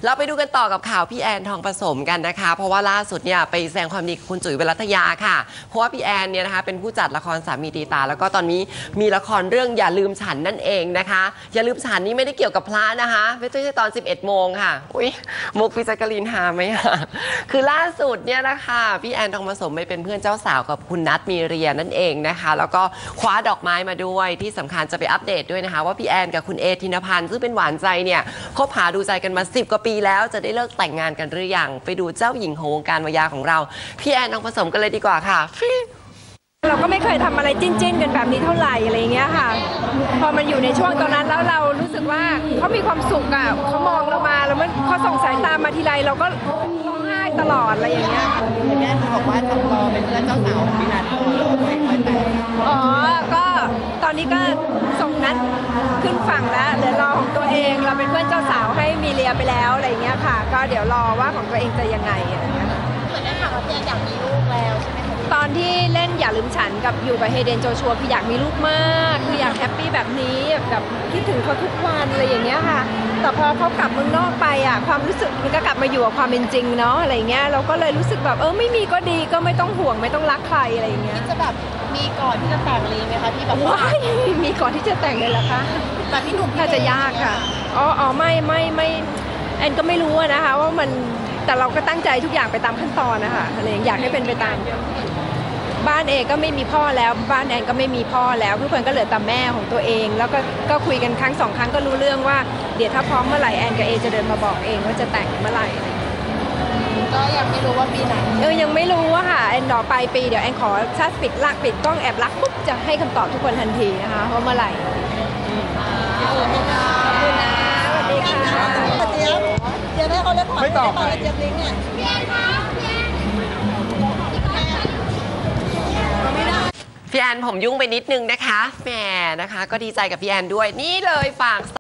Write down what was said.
เราไปดูกันต่อกับข่าวพี่แอนทองผสมกันนะคะเพราะว่าล่าสุดเนี่ยไปแสดงความดีกับคุณจุ๋ยวรัตยาค่ะเพราะว่าพี่แอนเนี่ยนะคะเป็นผู้จัดละครสามีตีตาแล้วก็ตอนนี้มีละครเรื่องอย่าลืมฉันนั่นเองนะคะอย่าลืมฉันนี่ไม่ได้เกี่ยวกับพระนะคะไม่ใช่ตอน 11 โมงค่ะอุ้ยมุกพิจักรีนหาไหมคะคือล่าสุดเนี่ยนะคะพี่แอนทองผสมไปเป็นเพื่อนเจ้าสาวกับคุณนัทมีเรียนั่นเองนะคะแล้วก็คว้าดอกไม้มาด้วยที่สำคัญจะไปอัปเดตด้วยนะคะว่าพี่แอนกับคุณเอธินพันธ์ซึ่งเป็นหวานใจเนี่ยคบหาดูใจกันมา10 กว่าปีแล้วจะได้เลิกแต่งงานกันหรือยังไปดูเจ้าหญิงของวงการวายาของเราพี่แอนทองผสมกันเลยดีกว่าค่ะเราก็ไม่เคยทำอะไรจิ้นกันแบบนี้เท่าไหร่อะไรเงี้ยค่ะพอมันอยู่ในช่วงตอนนั้นแล้วเรารู้สึกว่าเขามีความสุขอ่ะเขามองเรามาแล้วมันเขาส่งสายตามาทีไรเราก็ร้องไห้ตลอดอะไรอย่างเงี้ยแม่บอกว่าจะรอเป็นเพื่อนเจ้าสาวของพี่นัทอ๋อก็ตอนนี้ก็ส่งนัดขึ้นฝั่งแล้วเหลือรอของตัวเองเราเป็นเพื่อนเจ้าสาวให้มีเลียไปแล้วอะไรเงี้ยค่ะก็เดี๋ยวรอว่าของตัวเองจะยังไงอะไรเงี้ยเหมือนได้ข่าวว่าพี่แอนอยากมีลูกแล้วใช่ไหมคะตอนที่เล่นอย่าลืมฉันกับอยู่กับเฮเดนโจชัวคืออยากมีลูกมากคืออยากแฮปปี้แบบนี้แบบคิดถึงเขาทุกวันอะไรอย่างเงี้ยค่ะแต่พอเขากลับเมืองนอกไปอ่ะความรู้สึกมันก็กลับมาอยู่กับความเป็นจริงเนาะอะไรเงี้ยเราก็เลยรู้สึกแบบไม่มีก็ดีก็ไม่ต้องห่วงไม่ต้องรักใครอะไรอย่างเงี้ยจะแบบมีก่อนที่จะแต่งเลยไหมคะที่แบบว่ามีก่อนที่จะแต่งเลยเหรอคะแต่พี่หนุ่มน่าจะยากค่ะอ๋อไม่แอนก็ไม่รู้นะคะว่ามันแต่เราก็ตั้งใจทุกอย่างไปตามขั้นตอนนะคะอะไรอยากให้เป็นไปตามบ้านเอก็ไม่มีพ่อแล้วบ้านแอนก็ไม่มีพ่อแล้วทุกคนก็เหลือแต่แม่ของตัวเองแล้วก็คุยกันครั้ง2 ครั้งก็รู้เรื่องว่าเดี๋ยวถ้าพร้อมเมื่อไหร่แอนกับเอจะเดินมาบอกเองว่าจะแต่งเมื่อไหร่ก็ยังไม่รู้ว่าปีไหนยังไม่รู้ว่าค่ะแอนรอปลายปีเดี๋ยวแอนขอถ้าปิดกล้องแอบรักปุ๊บจะให้คำตอบทุกคนทันทีนะคะว่าเมื่อไหร่ขอบคุณนะสวัสดีค่ะเจี๊ยบให้เขาเรียกไม่ตอบเจี๊ยบลิงเนี่ยพี่แอนผมยุ่งไปนิดนึงนะคะแหมนะคะก็ดีใจกับพี่แอนด้วยนี่เลยฝาก